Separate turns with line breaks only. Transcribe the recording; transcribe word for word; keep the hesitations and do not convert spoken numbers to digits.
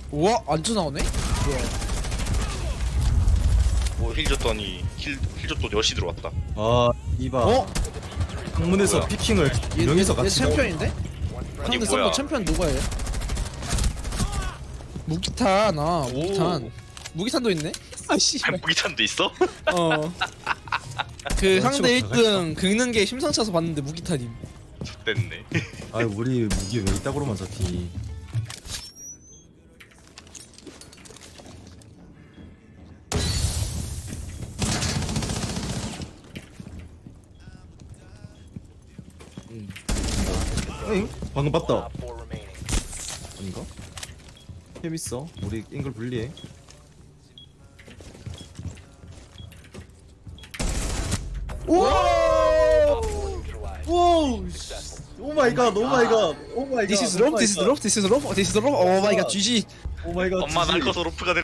우와 안주 나오네? 뭐야?
뭐힐 줬더니 힐, 힐 줬더니 여시 들어왔다.
아 이봐.
어?
방문에서
뭐야?
피킹을
얘,
두 명이서
얘, 얘
같이
챔피언인데?
아니
상대
뭐야?
서버 챔피언 누구야 얘? 무기탄 아 무기탄 무기탄도 있네? 아씨
무기탄도 있어?
어. 그 상대 일 등 긁는 게 심상찮아서 봤는데 무기탄임.
됐네.
아 우리 무기 왜 이따구로만 잡히. 응? 방금 봤다. 아닌가? 재밌어. 우리 앵글 분리해. 오! 오 마이 갓. 오 마이 갓. 오 마이 갓.
This is rope, this is rope, this is rope, this is rope. Oh my god, 지지.
오 마이 갓.
엄마 날 커서 로프가 될